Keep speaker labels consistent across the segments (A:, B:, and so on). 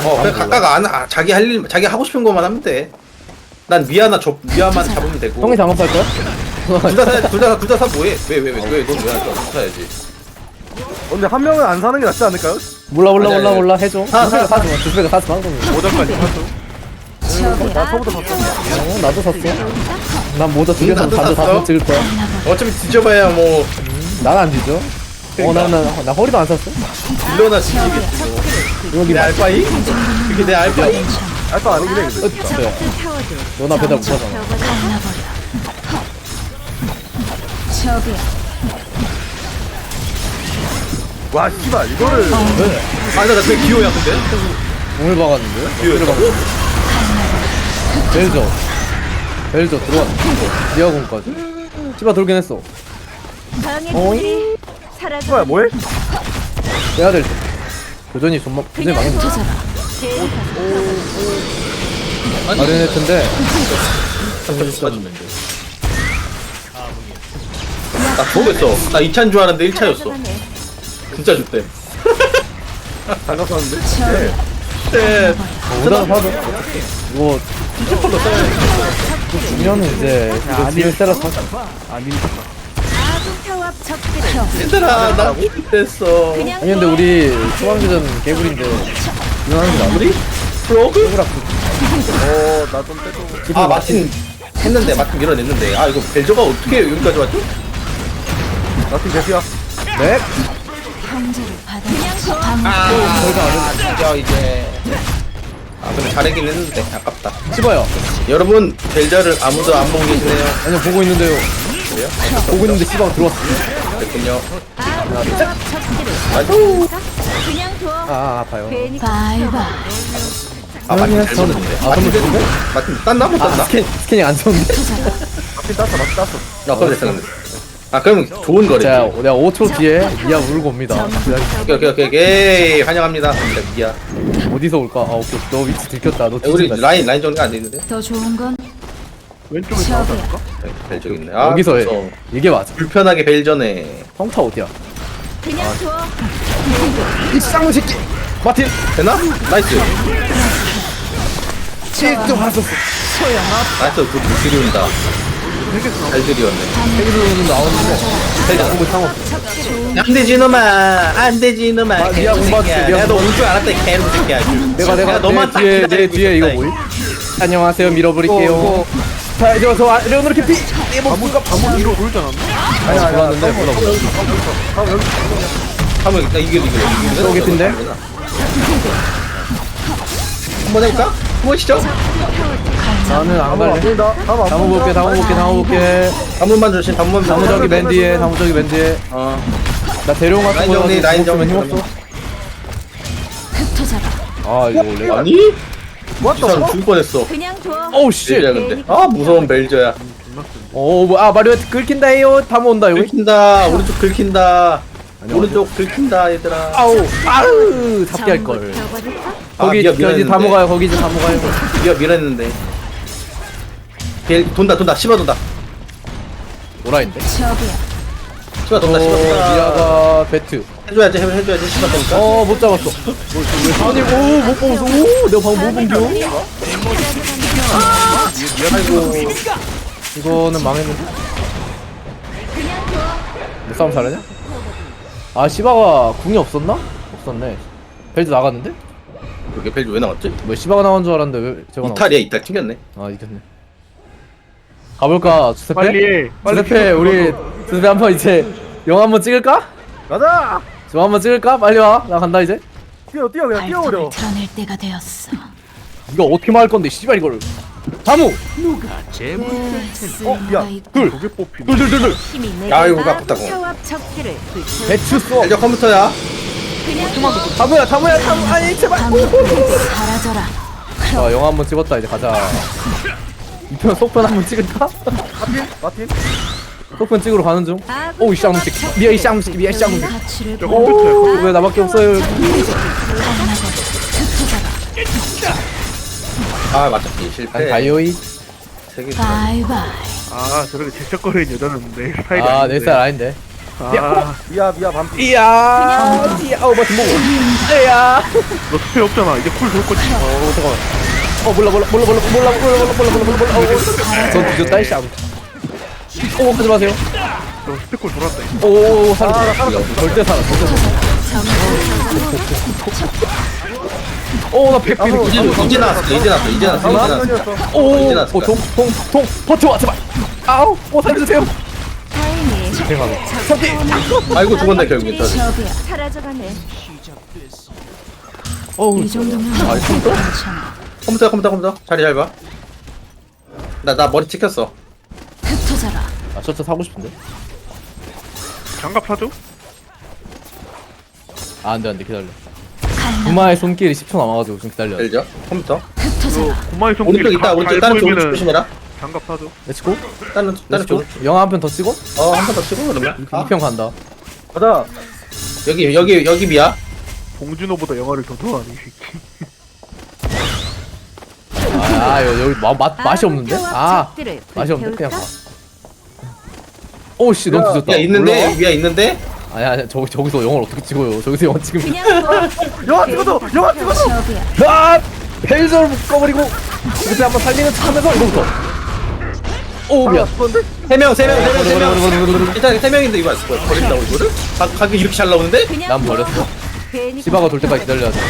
A: 그냥 각각 자기 할 일, 자기 하고 싶은 것만 하면 돼. 난 미아만 잡으면 되고.
B: 형이 장갑 살 거야?
A: 둘 다 사 뭐해? 넌왜 사야지?
C: 근데 한 명은 안 사는 게 낫지 않을까요?
B: 몰라 해줘.
A: 사.
B: 두배가 사지 마.
C: 모자까지 샀죠. 나 저보다 샀어.
B: 나도 샀어. 난 모자 두 개 사서
A: 나도
B: 반도
A: 샀어?
B: 다 찍을 거야.
A: 어차피 뒤져봐야 뭐
B: 난 안 뒤져. 나 허리도 안 샀어.
A: 딜러나 뒤지겠지.
B: 여기
A: 내 알바이? 그게 내 알바이?
C: 알바 아니긴 해. 근데.
B: 진짜. 너나 배달 못 하잖아.
C: 와 씨발 이거를
A: 나 되게 기호야 근데?
B: 오늘 박았는데?
A: 기호였다고?
B: 벨저 들어왔. 리아공까지. 씨발 돌긴 했어. 어이?
C: 뭐야 뭐해?
B: 빼야 될 때. 교전이 망했는데. 마리네트인데.
A: 나 모르겠어. 나 2차인 줄 알았는데 1차였어. 진짜 좋대.
C: 장갑 샀는데?
A: 네.
B: 오다가 사도. 이거
A: 피지컬로 써야지.
B: 주면은 이제 이거 뒤에 세라 사.
A: 얘들아 나 됐어.
B: 아니 근데 우리 소방교전 개구리인데 유난한 거
A: 우리? 프로그?
C: 나 좀 빼줘.
A: 마틴 했는데 마틴 밀어냈는데 이거 벨저가 어떻게 여기까지 왔죠?
C: 나팀 대피야.
B: 네?
A: 진짜 이제 근데 잘하긴 했는데 아깝다.
B: 씹어요.
A: 여러분 벨저를 아무도 안 보고 계시네요.
B: 아니요 보고 있는데요.
A: 그래요?
B: 보고 있는데 씨발 들어왔어.
A: 됐군요.
B: 아파요.
A: 마틴 잘 쏘는데. 마틴 됐는데? 마틴 땄나? 못 땄나?
B: 스캔이 안 좋은데?
C: 마틴 땄어.
A: 그럼 됐어 근데. 그럼 좋은 거래.
B: 자 내가 5초 뒤에 미아 울고 옵니다.
A: 오케이 환영합니다. 미야.
B: 어디서 올까? 오케이 너 위치 들켰다. 너
A: 우리
B: 뒤진다.
A: 라인 정리가 안 돼 있는데.
D: 더 좋은 건
C: 왼쪽에 나왔다니까?
A: 벨저 있네.
B: 여기서 해.
A: 무서워.
B: 이게 맞아.
A: 불편하게 벨저네.
B: 성타 어디야?
D: 그냥 둬.
B: 이 쌍문 새끼. 마틴.
A: 되나? 나이스.
B: 좀 봤었어.
A: 나이스. 그 들이온다. 잘 들이었네.
B: 헤이즈는 나오는데.
A: 벨저.
B: 공부 상관없어.
A: 안 되지 놈아. 안 되지 놈아.
B: 미야 공부하지.
A: 내가 너 올 줄 알았다 이 개놈 새끼야.
B: 내가
A: 너만 딱
B: 내
A: 기다리고
B: 뒤에 이거
A: 있었다,
B: 뭐임? 안녕하세요 밀어버릴게요. 자 이제 저 레오노르 캐피.
C: 방금 이거 보이지 않았나?
B: 들어왔는데 뭐라고?
A: 한번 나 이겨.
B: 또 개피인데?
A: 한번 해볼까? 한번 시죠.
B: 나는 안
C: 안
B: 갈래.
C: 보인다.
B: 다음 볼게.
A: 단문만 조심. 단문.
B: 다무 저기 맨 뒤에. 나 대룡 같은
A: 라인
B: 거
A: 정리, 라인
B: 없으면
A: 정리.
B: 힘없어.
D: 흩어져라.
B: 아 이거 원래.
A: 아니? 이 사람 죽을 뻔했어.
D: 그냥 둬.
B: 오우 씨.
A: 벨저야 근데. 무서운 벨저야.
B: 마리오 긁힌다요. 다무 온다 여기.
A: 긁힌다. 오른쪽 긁힌다. 오른쪽 긁힌다 얘들아.
B: 아우 잡게 할 걸.
D: 펴버릴까?
B: 거기
A: 미아
B: 이제
A: 밀어냈는데.
B: 다무 가요. 거기 이제 다무 가요.
A: 미아 밀었는데. 돈다. 씹어 돈다.
B: 오라인데.
D: 저기야.
A: 씹어 돈다.
B: 미아가 배트.
A: 해줘야지 씹어 돈다.
B: 못 잡았어. 아니 못 보고 내가 방금 못 본겨.
A: 아이고.
B: 이거는 망했는데. 내 싸움 잘하냐? 시바가 궁이 없었나? 없었네. 벨트 나갔는데?
A: 그게 벨저 왜 나왔지?
B: 뭐 시바가 나온 줄 알았는데 왜 제가 나왔어?
A: 이탈 튕겼네.
B: 이겼네. 가볼까? 주세페?
C: 빨리 해.
B: 주세페 우리 주세페 한번 이제 영화 한번 찍을까?
C: 가자.
B: 저 한번 찍을까? 빨리 와. 나 간다 이제.
C: 뛰어 그냥 뛰어버려.
D: 발톱을 드러낼 때가 되었어.
B: 이거 어떻게 말할 건데 씨발 이거를. 다무.
C: 야.
B: 둘.
C: 저게 뽑히네.
B: 둘.
D: 힘이
A: 아이고,
D: 내가
A: 아깝다고.
D: 평화 척기를
B: 배추 써.
A: 벨저 컴퓨터야.
D: 그냥
B: 다무야. 아니 제발.
D: 사라져라.
B: 자 영화 한번 찍었다 이제 가자. 이편 속편 한번 찍을까?
C: 마틴.
B: 속편 찍으러 가는 중. 오이 쌍문식. 미아 이 쌍문식.
D: 가치를
B: 왜 나밖에 없어요?
A: 맞췄지 실패.
B: 난 다이오이.
A: 세개
D: 바이바이.
C: 저렇게 질척거리는 여자는 내 스타일이
B: 내
C: 아닌데.
B: 스타일 아닌데.
C: 아 미야 반피.
B: 이야 이야 마틴 먹어 이야
C: 너 스페 없잖아. 이제 쿨 돌 거지.
B: 잠깐만 몰라 전 뒤졌다 이씨 하지 마세요
C: 너 스페 쿨 돌았다.
B: 오 살았어 절대 살아 오나 100피
A: 이제 나왔어.
B: 오통통통 버텨봐 제발 아우 살려주세요
D: 다행히
B: 대박이
A: 아이고 죽었네 결국에.
D: 저기야 사라져가네.
B: 어우
D: 이 정도면
B: 아 진짜?
D: 괜찮아.
A: 컴퓨터. 자리 잘 봐. 나 머리 찍혔어.
D: 흩어져라.
B: 아 저차 사고 싶은데
C: 장갑 사줘?
B: 아 안돼 기다려 구마의 손길이 10초 남아가지고 좀 기다려
A: 알죠? 컴퓨터.
D: 흩어져라.
C: 고마의 손길
A: 오른쪽 있다. 오른쪽 다른 쪽 조심해라.
C: 장갑 사줘.
B: 렛츠고
A: 다른
B: 렛츠고
A: 쪽.
B: 영화 한 편 더 찍어?
A: 한 번 더 치고 그러면.
B: 2편 간다
C: 가자.
A: 여기 미야.
C: 봉준호보다 영화를 더 좋아하네 이 새끼.
B: 여기 맛이 없는데? 맛이 없는데? 그냥 봐 오씨 너무 늦었다
A: 야 있는데
B: 올라와?
A: 미야 있는데.
B: 아니야 저기서 영화를 어떻게 찍어요 저기서 영화 찍으면
D: 그냥
C: 영화 찍어줘. 영화 찍어줘.
D: 저기야.
B: 아! 벨저를 묶어버리고 그때 한번 살리는 척 하면서 이거부터 오 미안
C: 그런데
A: 세 명. 일단 세 명인데 이거 버린다고 이거를? 가격 이렇게 잘 나오는데?
D: 그냥
B: 난
D: 둬.
B: 버렸어
D: 괜히
B: 시바가 돌 때까지 기다려야 돼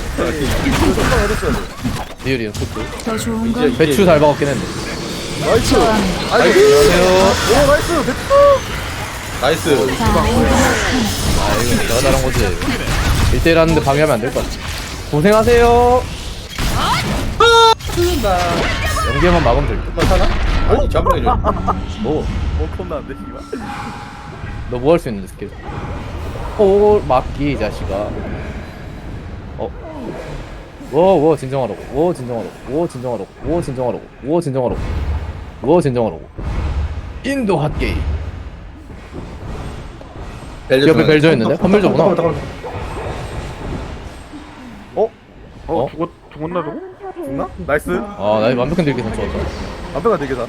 B: 리얼이야 소트
D: 더 좋은 건
B: 배추 잘 박았긴 했는데
C: 나이스.
B: 안녕하세요
C: 오 나이스.
A: 나이스.
B: 아 이거 내가 잘한 거지 1대1 하는데 방해하면 안 될 것 같아 고생하세요 연계만 막으면 될듯
A: 한번 사나? 아니 잠깐만 줘.
B: 뭐?
C: 겁나 안 돼, 씨발.
B: 너 뭐 할 수 있는데 스킬 오 막기 이 자식아 오 진정하라고 진정하라고 인도 핫게임 옆에 벨저 있는데? 선별저구나 어?
C: 죽었나 저거? 죽나? 나이스.
B: 나 완벽한 딜기선 좋았다
C: 완벽한 대계다.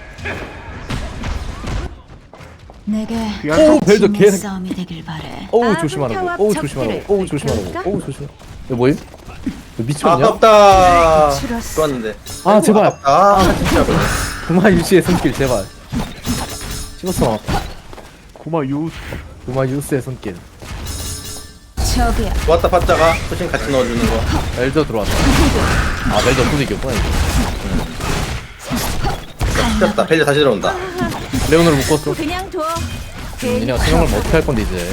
D: 내게
B: 오 벨저
D: 힘의
B: 개새끼
D: 싸움이 되길 바래.
B: 어우 조심하라고 이거 뭐임? 너 미쳤냐?
A: 아깝다.
D: 줄었어.
A: 좋았는데.
B: 아 제발
A: 진짜.
B: 구마 유시의 손길 제발 씹었어 나왔다
C: 고마 유.
B: 구마 유스의 손길
D: 저기야.
A: 좋았다 파짜가 포신 같이 넣어주는 거.
B: 벨저 들어왔다 벨저 없어서 이겼구나 이거
A: 튀겼다. 벨저 다시 들어온다.
B: 레오노를 묶었어
D: 그냥 둬.
B: 니네가 수영을 뭐 어떻게 할 건데 이제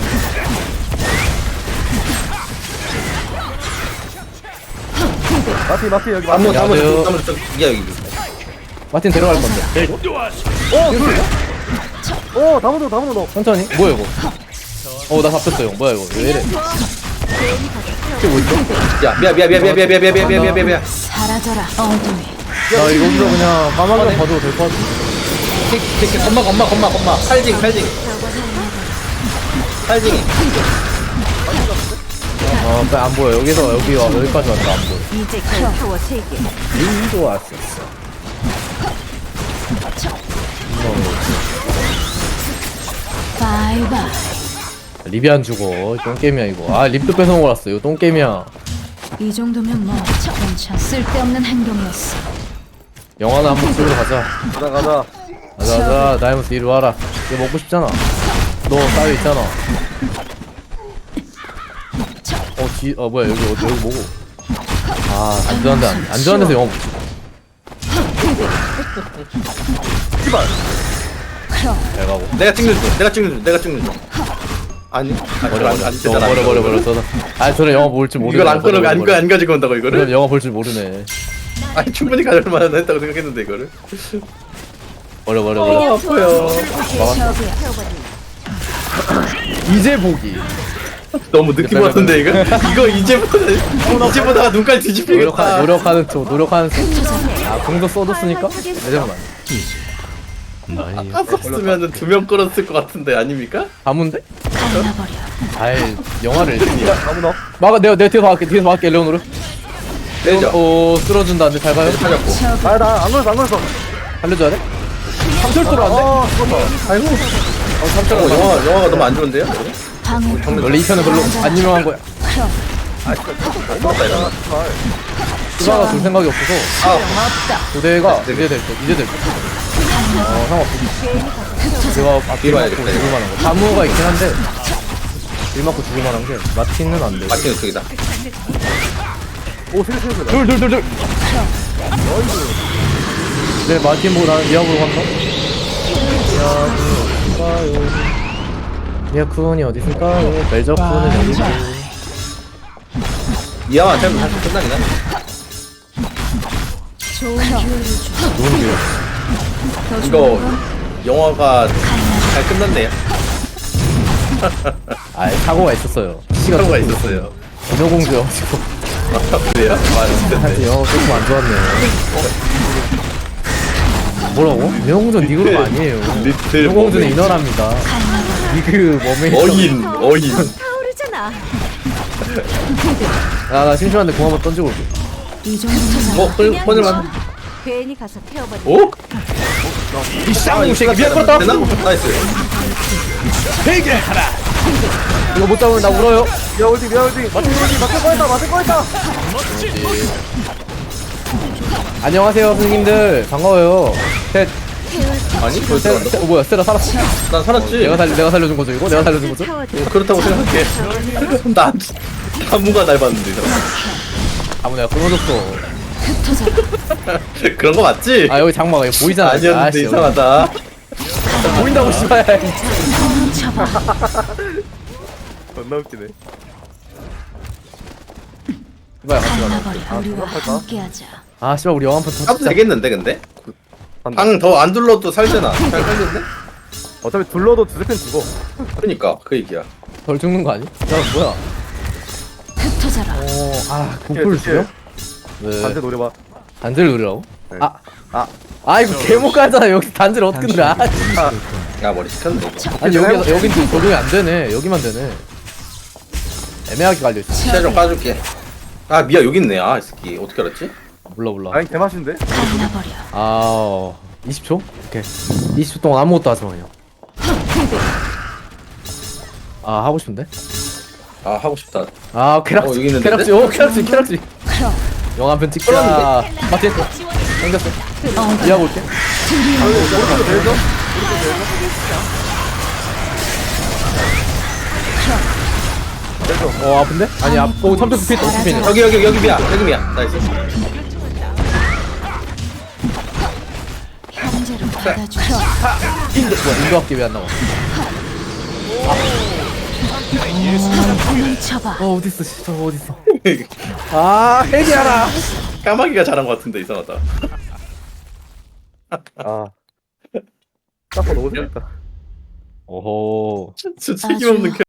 C: 마티 여기
A: 아무
B: 안녕하세요.
A: 미야 여기.
B: 마틴 데려갈 건데 벨저
C: 오 다문도 너.
B: 천천히 뭐야 이거 나 잡혔어 형 뭐야 이거 왜 이래 이게 뭐 있어?
A: 야 미야.
D: 사라져라. 어둠이.
B: 나 이거기서 그냥 까마귀 봐도 될 것 같아
A: 이렇게 겁마. 칼징. 칼징이.
B: 안 보여 여기까지 왔다 안 보여
D: 이제 타워 3개.
B: 인도 왔었어
D: 바이바이.
B: 립이 안 죽어 똥게임이야 이거 립도 뺏어먹어 왔어 이거 똥게임이야
D: 이 정도면 뭐 괜찮. 쓸데없는 행동이었어.
B: 영화나 한번 찍으러 가자
C: 가자.
B: 다이머스 이리 와라 이거 먹고 싶잖아 너 따위 있잖아 뭐야 여기 뭐고 안전한 데서 영화 못 찍어
D: 그럼
B: 잘 가고
A: 내가 찍는 중. 아니.
B: 버려 저는 영화 볼 줄 모르네
A: 이걸 안 끊어 안 가지고 온다고
B: 그럼
A: 이거를?
B: 영화 볼 줄 모르네
A: 아니 충분히 가질 만한 했다고 생각했는데 이거를.
B: 버려
A: 아파요.
D: 저기야.
B: 이제 보기
A: 너무 느낌 왔는데 이거 이제보다가 눈깔 뒤집히겠다.
B: 노력하는 척 공도 써줬으니까 내자면
A: 아까 썼으면은 2명 끌었을 것 같은데 아닙니까?
B: 가문데?
D: 갈라버려.
B: 아이 영화를
C: 다문어.
B: 막아 내가 뒤에서 막을게 레오노를
A: 내죠.
B: 쓸어준다는데 잘 가요?
A: 찾았고.
D: 저기
C: 나안 걸렸어.
B: 살려줘야 돼? 삼철도로 안 돼?
C: 죽었다.
A: 아이고. 영화가 너무 안 좋은데요?
D: 방해.
B: 원래 이 편은 별로 안 유명한 거야.
A: 맞다 이러면.
B: 수바가 줄 생각이 없어서
D: 없다.
B: 고대가 이제 될 때. 상관없어. 제가 앞에
A: 뒤로
B: 맞고
A: 와야겠다,
B: 죽을 만한 거. 다무가 있긴 한데 일 맞고 죽을 만한 게 마틴은 안 돼.
A: 마틴 쪽이다.
C: 오 세개 세개
B: 둘. 네 마틴 보고 나는 미아보러 간다. 미아쿤이 어디 있을까요? 멜저쿤은 여기 있고.
A: 미아만 잘못 사실 끝나긴 하네.
D: 좋은 기회를 주.
B: 누군데요?
A: 이거 영화가 잘 끝났네요.
B: 아 사고가 있었어요. 시가
A: 사고가 있었어요.
B: 인어공주여가지고
A: 그래요?
B: 사실 영어 조금 안 좋았네요. 뭐라고? 인어공주는 니 그룹 아니에요.
A: 리틀
B: 인어공주는
A: 머메이드.
B: 인어랍니다. 니그 머메이드.
A: 어인.
D: 타오르잖아.
B: 나 심심한데 공 한번 던지고 올게.
D: 이 정도면
A: 폰을만.
E: 괜히 가서 태워버리.
A: 오?
B: 이 쌍무새끼 미안 끌었다.
A: 되나? 나이스.
B: 이거 못 잡으면 나 울어요.
C: 미아올딩 맞을 거였다
B: 안녕하세요 선생님들 반가워요. 셋.
A: 아니 벌써 간다.
B: 뭐야 스테라 살았어.
A: 난 살았지.
B: 내가 살려준 거죠 이거? 내가 살려준 거죠?
A: 그렇다고 생각해. 난 다무가 날 봤는데 이 사람.
B: 아무 내가 끊어줬어.
A: 그런 거 맞지?
B: 아 여기 장마가 이거 보이잖아.
A: 아니었는데
B: 아씨,
A: 이상하다.
B: 보인다고 씨발.
C: 존나 웃기네
B: 이봐야 같이 가자.
D: 갈라버려. 우리와 함께하자.
B: 아 씨발 우리 영화 한판
A: 까도
B: 터치자.
A: 되겠는데 근데?
C: 간다.
A: 방 더 안 둘러도 살잖아. 잘 살렸네?
C: 어차피 둘러도 두세 편 죽어
A: 그러니까 그 얘기야.
B: 덜 죽는 거 아니? 야 뭐야?
D: 흩어져라.
B: 공풀 주요?
C: 반대
B: 네.
C: 노려봐
B: 단지를 누르라고?
C: 네.
B: 아 이거 개못 가잖아. 여기 단지를 어떻게 누려? 아,
A: 야 머리 시켰네.
B: 아니 여긴 또 적용이 안 되네. 여기만 되네. 애매하게 갈려 있어.
A: 시야 좀 까줄게. 아 미야 여기 있네. 아 이 새끼 어떻게 알았지?
B: 몰라.
C: 아니 개맛인데?
D: 갈라버려.
B: 20초? 오케이. 20초 동안 아무것도 하지 마요. 하고 싶은데?
A: 아 하고 싶다.
B: 쾌락지.
A: 여기 있는데?
B: 쾌락지. 영화 한 편 찍자. 마틴. 생겼어. 이해하고 올게. 아픈데? 아니, 탐정 스피드, 스피드.
A: 여기 미야. 여기 미야. 나이스.
D: 형제로 받아주자.
B: 인도 학기 왜안 나와?
D: 뭉쳐봐.
B: 어딨어, 저거 어딨어. 해기하라!
A: 까마귀가 잘한 것 같은데 이상하다.
C: 딱 너무 재밌다
B: 오호.
A: 진짜 책임없는